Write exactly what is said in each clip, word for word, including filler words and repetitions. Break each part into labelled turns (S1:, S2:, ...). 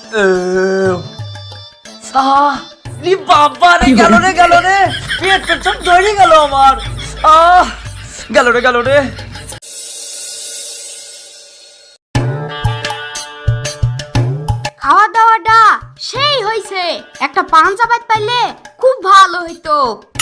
S1: বাবা রে, গেল রে গেল রে, পেট পেট সব ধরে গেল আমার। আহ গেল রে গেল রে।
S2: খাওয়া দাওয়াটা সেই হইছে, একটা পান চাপাত পাইলে খুব ভালো হইতো।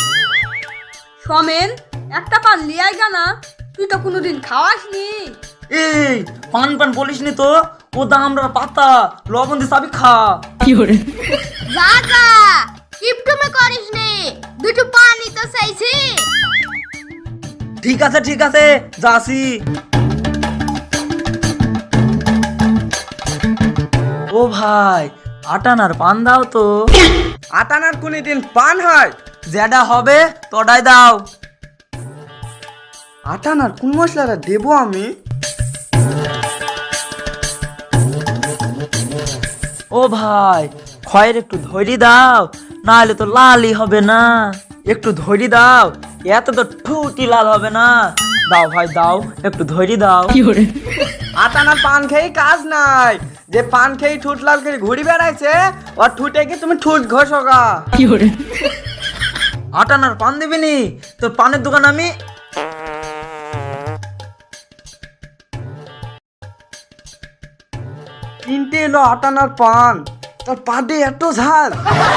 S3: সমেন, একটা পান লিয়াই গানা, তুই তো কোনোদিন খাওয়াসনি।
S1: এই পান পান বলিস নি তো, ও দামরা পাতা লবণ দিয়ে চাবি খা।
S2: যা যা, কিপটুমে করিস নি, দুটো পানি তো চাইছি।
S1: ঠিক আছে ঠিক আছে, যাসি। ও ভাই, আটানার পান দাও তো।
S4: আটানার কোনদিন পান হয়?
S1: যেটা হবে তোটাই দাও।
S4: আটানার কোন মশলাটা দেবো আমি?
S1: ও ভাই, খয়ের একটু ধৈর্য দাও, না হলে তো লালই হবে না। একটু ধৈর্য দাও, এত তো ঠুটি লাল হবে না। দাও ভাই দাও, একটু ধৈর্য দাও।
S4: আটানার পান খেয়ে কাজ নাই, যে পান খেয়ে ঠুট লাল করে ঘুরি বেড়াইছে ওর ঠুটে কি তুমি ঠুট ঘষোগা।
S1: আটানার পান দিবি নি? তোর পানের দোকান আমি।
S4: কিনতে এলো আটানার পান, তোর পাদে এত ঝাল।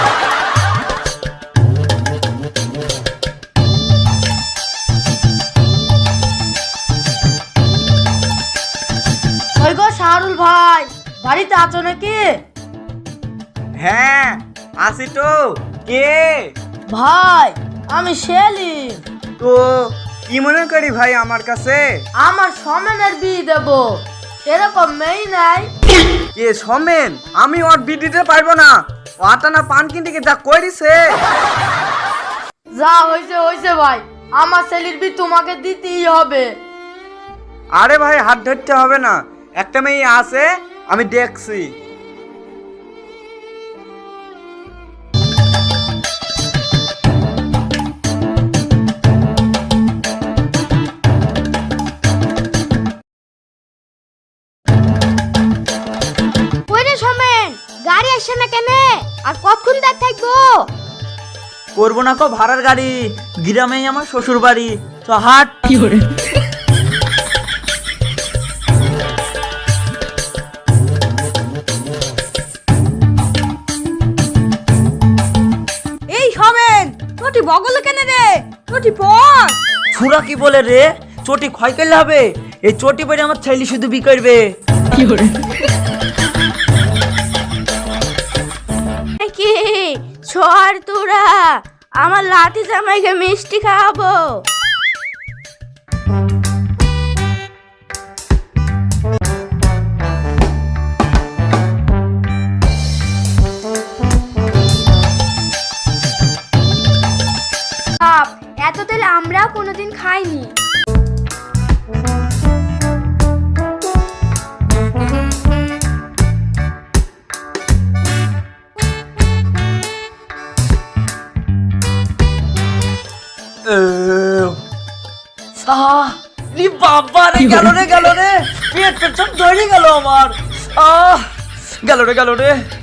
S3: ওই গো শাহরুল ভাই, বাড়িতে আছো নাকি?
S4: হ্যাঁ আসি তো। কে?
S3: ভাই আমি সেলিম।
S4: তো কি মনে করি ভাই আমার কাছে?
S3: আমার সমেনের বিয়ে দেবো, সেরকম মেয়ে নাই।
S4: কে সমেন? আমি ওর বিয়ে দিতে পারবো না, ও আটানা পান কিনতে গিয়ে যা করিছে।
S3: যা হয়েছে হয়েছে ভাই, আমার ছেলের বিয়ে তোমাকে দিতেই হবে।
S4: আরে ভাই হাত ধরতে হবে না, একটা মেয়ে আছে আমি দেখছি।
S2: ওরে সমেন, গাড়ি আসছে না কেন? আর কতক্ষণ দাঁড় থাকবো?
S1: করবো না কো ভাড়ার গাড়ি, গ্রামেই আমার শ্বশুর বাড়ি। তো হাট।
S3: এই সমেন, তোটি বগলে কেন রে? তোটি পর।
S1: ছুরা কি বলে রে? চটি ক্ষয় করলে হবে? এই চটি পরে আমার ছেলে শুধু বি করবে।
S2: কি ছড় তোরা, আমার লাতি জামাইকে মিষ্টি খাওয়াবো। বাপ, এত তেল আমরাও কোনোদিন খাইনি।
S1: বাবা রে, গেল রে গেল রে, পেট পেট সব ধরে গেল আমার। আহ গেল রে গেল রে।